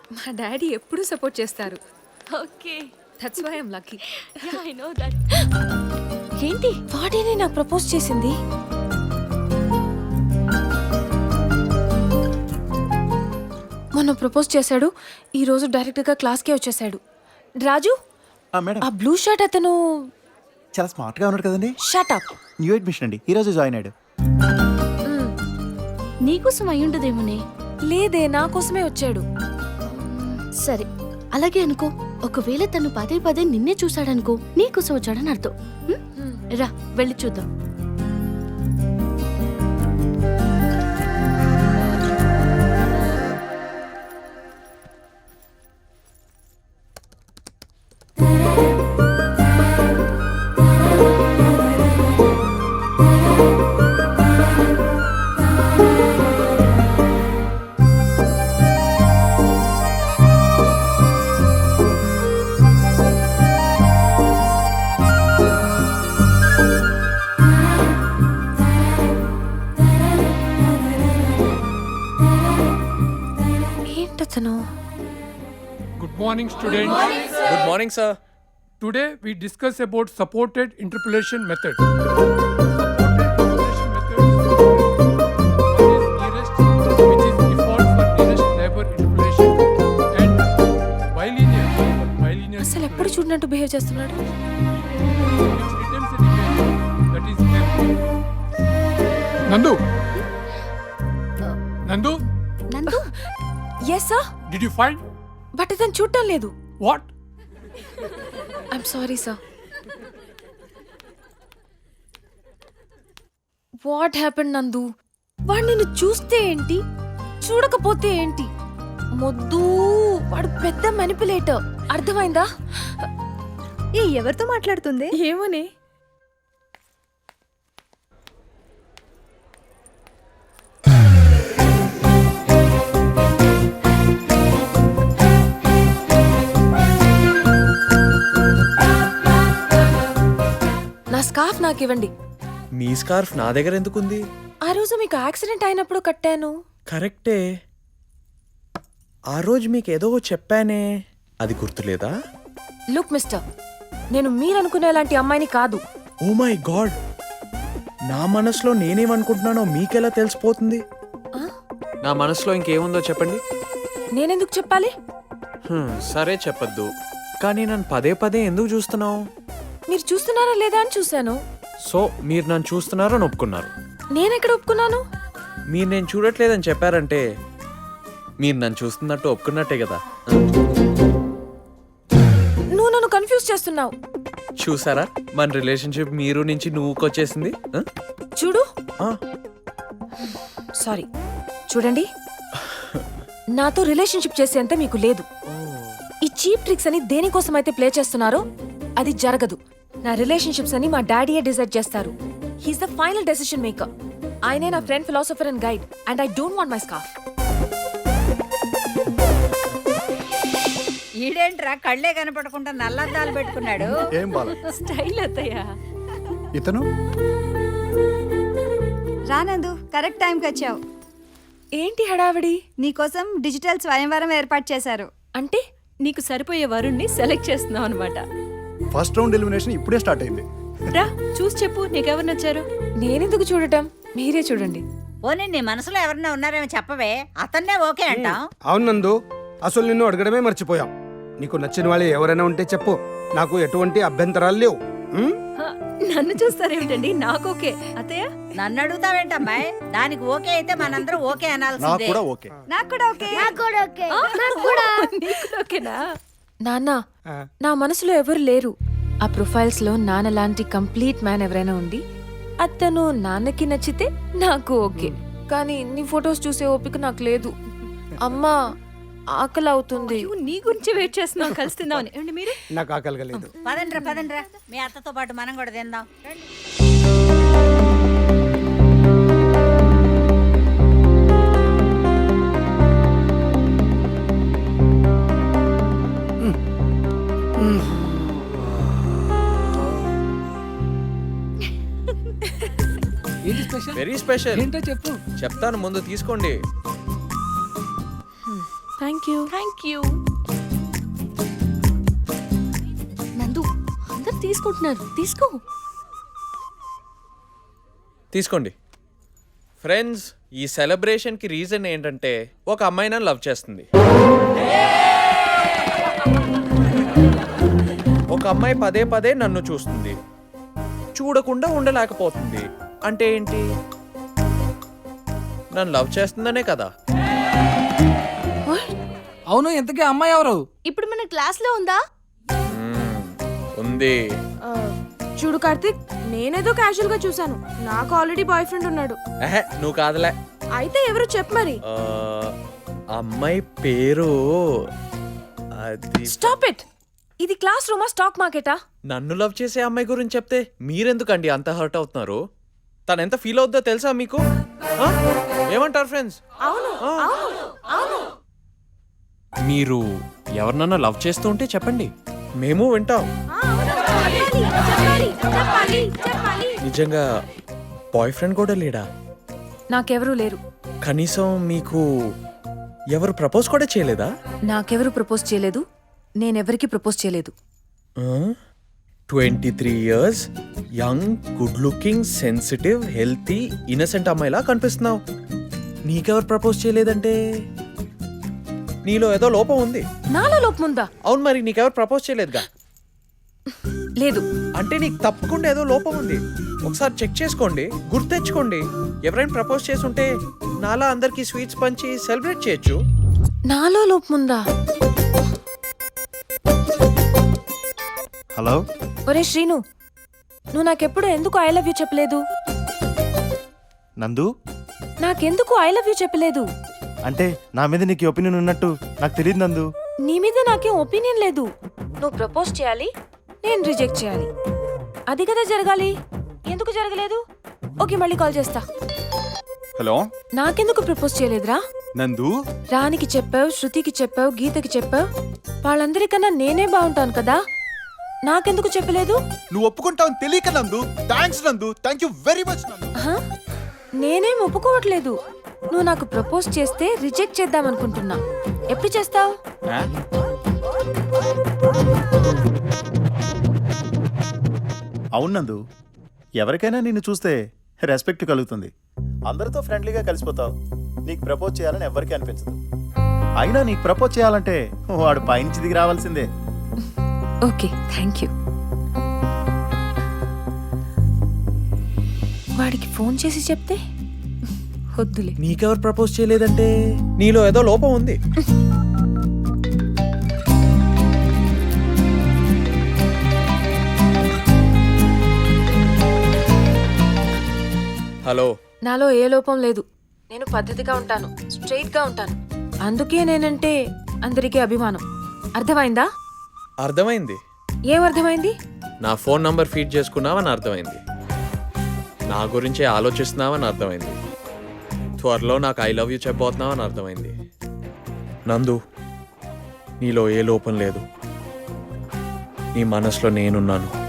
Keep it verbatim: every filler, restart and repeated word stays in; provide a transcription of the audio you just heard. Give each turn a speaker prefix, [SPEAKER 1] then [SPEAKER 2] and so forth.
[SPEAKER 1] మా డాడీ ఎప్పుడూ సపోర్ట్ చేస్తారు.
[SPEAKER 2] Okay,
[SPEAKER 1] that's why I'm lucky.
[SPEAKER 2] Yeah I know that. ఏంటి?
[SPEAKER 1] వాడేనే నాకు ప్రపోజ్ చేసింది. మొన్న ప్రపోజ్ చేశాడు, ఈ రోజు డైరెక్ట్ గా క్లాస్ కే వచ్చేసాడు. రాజు,
[SPEAKER 3] ఆ, మేడం
[SPEAKER 1] ఆ బ్లూ షర్ట్ అతను
[SPEAKER 3] చాలా స్మార్ట్ గా ఉన్నాడు కదండి.
[SPEAKER 1] Shut up.
[SPEAKER 3] న్యూ అడ్మిషన్ అండి, ఈ రోజు జాయిన్ అయ్యాడు.
[SPEAKER 2] నీకోసం అయ్యుండదేమోనే.
[SPEAKER 1] లేదే, నా కోసమే వచ్చాడు.
[SPEAKER 2] సరే, అలాగే అనుకో. ఒకవేళ తను పదే పదే నిన్నే చూశాడనుకో, నీకోసం వచ్చాడని అర్థం. హ్మ్? రా, వెళ్ళి చూద్దాం.
[SPEAKER 1] ఏంటతను?
[SPEAKER 4] Good morning, students.
[SPEAKER 5] Good morning, sir.
[SPEAKER 4] Today we discuss about supported interpolation method. Supported interpolation method. One is nearest, which is default for nearest neighbor interpolation, and bilinear for bilinear
[SPEAKER 1] అసలు ఎప్పుడు చూడనట్టు బిహేవ్ చేస్తున్నాడు.
[SPEAKER 4] which returns an image that is left. Nandu. Nandu,
[SPEAKER 2] Nandu,
[SPEAKER 1] yes sir,
[SPEAKER 4] did you find
[SPEAKER 1] but ఇతను చూడటం లేదు.
[SPEAKER 4] what?
[SPEAKER 1] I'm sorry sir. What happen Nandu? వాడు నిన్ను చూస్తే ఏంటి, చూడకపోతే ఏంటి? మొద్దు, వాడు పెద్ద మెనిపులేటర్. అర్థమైందా?
[SPEAKER 6] ఏ ఎవరితో మాట్లాడుతుంది?
[SPEAKER 1] ఏమోనే. నా స్కార్ఫ్ నాకు ఇవ్వండి.
[SPEAKER 5] మీ స్కార్ఫ్ నా దగ్గర ఎందుకుంది?
[SPEAKER 1] ఆ రోజు మీకు యాక్సిడెంట్ అయినప్పుడు కట్టాను.
[SPEAKER 5] కరెక్టే. ఆ రోజు మీకు ఏదో చెప్పానే, అది గుర్తులేదా?
[SPEAKER 1] లుక్ మిస్టర్, నేను మీరనుకునేలాంటి అమ్మాయిని కాదు.
[SPEAKER 5] ఓ మై గాడ్, నా మనసులో నేనేమనుకుంటున్నానో మీకెలా తెలిసిపోతుంది? నా మనసులో ఇంకేముందో చెప్పండి.
[SPEAKER 1] నేనెందుకు చెప్పాలి?
[SPEAKER 5] హ్మ్, సరే చెప్పొద్దు, కానీ నన్ను పదే పదే ఎందుకు చూస్తున్నావు?
[SPEAKER 1] మీరు చూస్తున్నారా లేదా అని చూశాను.
[SPEAKER 5] సో మీరు నన్ను చూస్తున్నారో అని ఒప్పుకున్నారు.
[SPEAKER 1] నేనెక్కడ ఒప్పుకున్నాను?
[SPEAKER 5] మీరు నేను చూడట్లేదని చెప్పారంటే మీరు నన్ను చూస్తున్నట్టు ఒప్పుకున్నట్టే కదా.
[SPEAKER 1] నువ్వు నన్ను కన్ఫ్యూజ్ చేస్తున్నావు.
[SPEAKER 5] చూసారా, మన రిలేషన్షిప్ మీరు నుంచి నువ్వుకొచ్చేసింది. ఆ?
[SPEAKER 1] చూడు.
[SPEAKER 5] ఆ,
[SPEAKER 1] సారీ, చూడండి, నాతో రిలేషన్షిప్ చేసేంత మీకు లేదు. ఈ చీప్ ట్రిక్స్ అని దేనికోసం అయితే ప్లే చేస్తున్నారో అది జరగదు. నా రిలేషన్షిప్స్ అని మా డాడీయే డిసైడ్ చేస్తారు. He's the final decision maker. ఆయనే నా friend, philosopher and guide, and I don't want my scarf.
[SPEAKER 6] ఈడేంట్రా కళ్ళే కనపడకుండా నల్లద్దాలు పెట్టుకున్నాడు?
[SPEAKER 3] ఏం బాల
[SPEAKER 1] స్టైల్ అత్తయ్య.
[SPEAKER 3] ఇతను
[SPEAKER 7] రానందు, కరెక్ట్ టైంకి వచ్చావు.
[SPEAKER 1] ఏంటి హడావిడి?
[SPEAKER 7] నీకోసం డిజిటల్ స్వయంవరం ఏర్పాటు చేశారు.
[SPEAKER 1] అంటే
[SPEAKER 2] నీకు సరిపోయే వరుణ్ణి సెలెక్ట్ చేస్తున్నావు అనమాట.
[SPEAKER 8] ఫస్ట్ రౌండ్ ఎలిమినేషన్ ఇప్పుడే స్టార్ట్ అయింది.
[SPEAKER 2] రా, చూసి చెప్పు నీకెవరు నచ్చారు.
[SPEAKER 1] నేనెందుకు చూడటం, మీరే చూడండి.
[SPEAKER 6] పోనీ నీ మనసులో ఎవరన్నా ఉన్నారేమో చెప్పవే, అతన్నే ఓకే అంటాం.
[SPEAKER 8] అవును నందు, అసలు నిన్ను అడగడమే మర్చిపోయాం. నీకు నచ్చిన వాళ్ళు ఎవరైనా ఉంటే చెప్పు, నాకు ఎటువంటి అభ్యంతరాలు లేవు. ఉం?
[SPEAKER 2] హ, నన్ను చూస్తారేమిటండి, నాకు ఓకే. అత్తయ్య,
[SPEAKER 6] నన్ను అడుగుతావేంటమ్మాయి? దానికి ఓకే అయితే మనందరం ఓకే
[SPEAKER 3] నాకు
[SPEAKER 6] అనాల్సిందే.
[SPEAKER 3] కూడా ఓకే.
[SPEAKER 7] నాకు కూడా ఓకే.
[SPEAKER 2] నీకు కూడా ఓకేనా?
[SPEAKER 1] నాన్న,
[SPEAKER 8] ఆ,
[SPEAKER 1] నా మనసులో ఎవరు లేరు. ఆ ప్రొఫైల్స్ లో నాన్న లాంటి కంప్లీట్ మ్యాన్ ఎవరైనా ఉండి అతను నాన్నకి నచ్చితే నాకు ఓకే. కానీ నీ ఫొటోస్ చూసే ఓపిక నాకు లేదు. అమ్మా, ఆకలి అవుతుంది.
[SPEAKER 2] అయ్యో, నీ గురించి వెయిట్ చేస్తున్నాం, కలిసి తిందామని. ఏమండి మీరు?
[SPEAKER 8] నాకు ఆకలిగా లేదు.
[SPEAKER 6] పదండ్రా పదండ్రా, మీ అత్తతో పాటు మనం కూడా తిందాం. రండి.
[SPEAKER 5] Very special.
[SPEAKER 4] ఏంటో చెప్పు.
[SPEAKER 5] చెప్తాను, ముందు తీసుకోండి.
[SPEAKER 1] థ్యాంక్ యూ
[SPEAKER 2] థ్యాంక్ యూ నందు అందరు తీసుకుంటున్నారు తీసుకో
[SPEAKER 5] తీసుకోండి ఫ్రెండ్స్. ఈ సెలబ్రేషన్కి రీజన్ ఏంటంటే ఒక అమ్మాయి నన్ను లవ్ చేస్తుంది. ఒక అమ్మాయి పదే పదే నన్ను చూస్తుంది, చూడకుండా ఉండలేకపోతుంది. అంటే ఏంటి? నన్ను లవ్ చేస్తుందనే కదా.
[SPEAKER 9] అవును, ఇంతకీ అమ్మాయి ఎవరు?
[SPEAKER 2] ఇప్పుడు మన క్లాస్ లో ఉందా?
[SPEAKER 5] మ్మ్, ఉంది.
[SPEAKER 1] చూడు కార్తిక్, నేనేదో క్యాజువల్ గా చూసాను. నాకు ఆల్రెడీ బాయ్ ఫ్రెండ్ ఉన్నాడు.
[SPEAKER 5] ఎహె, నువ్వు కాదులే.
[SPEAKER 1] అయితే ఎవరు చెప్పు మరి.
[SPEAKER 5] ఆ, అమ్మాయి పేరు అది.
[SPEAKER 1] Stop it. ఇది క్లాస్ రూమా స్టాక్ మార్కెటా?
[SPEAKER 5] నన్ను లవ్ చేసే అమ్మాయి గురించి చెప్తే మీరెందుకండి అంత హర్ట్ అవుతున్నారు? తను ఎంత ఫీల్ అవుద్దో తెలుసా మీకు? ఆ? ఏమంటారు ఫ్రెండ్స్?
[SPEAKER 1] అవును అవును అవును.
[SPEAKER 5] మీరు ఎవరినన్నా లవ్ చేస్తూ ఉంటే చెప్పండి, మేము వింటాం.
[SPEAKER 1] చెప్పాలి, చెప్పాలి, చెప్పాలి.
[SPEAKER 5] నిజంగా బాయ్ ఫ్రెండ్ కూడా లేడా?
[SPEAKER 1] నాకెవరూ లేరు.
[SPEAKER 5] కనీసం మీకు ఎవరు ప్రపోజ్ కూడా చేయలేదా?
[SPEAKER 1] నాకెవరు ప్రపోజ్ చేయలేదు, నేనెవరికి ప్రపోజ్ చేయలేదు.
[SPEAKER 5] Twenty three years young, good looking, sensitive, healthy, innocent అమ్మాయిలా కనిపిస్తున్నావు. నీకెవరు ప్రపోజ్ చేయలేదంటే నీలో ఏదో లోపం ఉంది.
[SPEAKER 1] నాలో లోపం ఉందా?
[SPEAKER 5] అవును, మరి నీకెవరు ప్రపోజ్ చేయలేదుగా.
[SPEAKER 1] లేదు.
[SPEAKER 5] అంటే నీకు తప్పకుండా ఏదో లోపం ఉంది. ఒకసారి చెక్ చేసుకోండి, గుర్తెచ్చుకోండి. ఎవరైనా ప్రపోజ్ చేసుంటే నాలా అందరికి స్వీట్స్ పంచి సెలబ్రేట్ చేయొచ్చు.
[SPEAKER 1] నాలో లోపం ఉందా?
[SPEAKER 3] హలో.
[SPEAKER 1] ఒరే శ్రీను, నువ్వు నాకెప్పుడు ఎందుకు ఐ లవ్ యూ చెప్పలేదు?
[SPEAKER 3] నందు,
[SPEAKER 1] నాకెందుకు ఐ లవ్ యూ చెప్పలేదు?
[SPEAKER 3] అంటే నా మీద నీకు ఒపీనియన్ ఉన్నట్టు నాకు తెలియదు నందు.
[SPEAKER 1] నీ మీద నాకేం ఒపీనియన్ లేదు. నువ్వు ప్రపోజ్ చేయాలి, నేను రిజెక్ట్ చేయాలి. అది కదా జరగాలి. ఎందుకు జరగలేదు? ఓకే, మళ్ళీ కాల్ చేస్తా.
[SPEAKER 3] హలో.
[SPEAKER 1] నాకెందుకు ప్రపోజ్ చేయలేదురా?
[SPEAKER 3] నందు,
[SPEAKER 1] రానికి చెప్పావు, శృతికి చెప్పావు, గీతకి చెప్పావు. వాళ్ళందరికన్నా నేనే బాగుంటాను కదా, నాకెందుకు చెప్పలేదు?
[SPEAKER 3] నువ్వు ఒప్పుకుంటావని తెలియక నందు. థ్యాంక్స్ నందు, థ్యాంక్ యూ వెరీ మచ్ నందు.
[SPEAKER 1] ఆహా, నేనేం ఒప్పుకోవట్లేదు. నువ్వు నాకు ప్రపోజ్ చేస్తే రిజెక్ట్ చేద్దామనుకుంటున్నా. ఎప్పుడు చేస్తావు?
[SPEAKER 3] అవును నందు, ఎవరికైనా నిన్ను చూస్తే రెస్పెక్ట్ కలుగుతుంది. అందరితో ఫ్రెండ్లీగా కలిసిపోతావు. నీకు ప్రపోజ్ చేయాలని ఎవరికీ అనిపించదు. అయినా నీకు ప్రపోజ్ చేయాలంటే వాడు పైనుంచి దిగి రావాల్సిందే.
[SPEAKER 1] Okay, thank you. వాడికి ఫోన్ చేసి చెప్తే వద్దులే.
[SPEAKER 5] నీకెవరు ప్రపోజ్ చేయలేదంటే నీలో ఏదో లోపం ఉంది. హలో.
[SPEAKER 1] నాలో ఏ లోపం లేదు. నేను పద్ధతిగా ఉంటాను, స్ట్రైట్ గా ఉంటాను. అందుకే నేనంటే అందరికీ అభిమానం. అర్థమైందా?
[SPEAKER 5] అర్థమైంది.
[SPEAKER 1] ఏం అర్థమైంది?
[SPEAKER 5] నా ఫోన్ నంబర్ ఫీడ్ చేసుకున్నావని అర్థమైంది. నా గురించే ఆలోచిస్తున్నావని అర్థమైంది. త్వరలో నాకు ఐ లవ్ యూ చెప్పబోతున్నావని అర్థమైంది. నందు, నీలో ఏ లోపం లేదు. నీ మనసులో నేనున్నాను.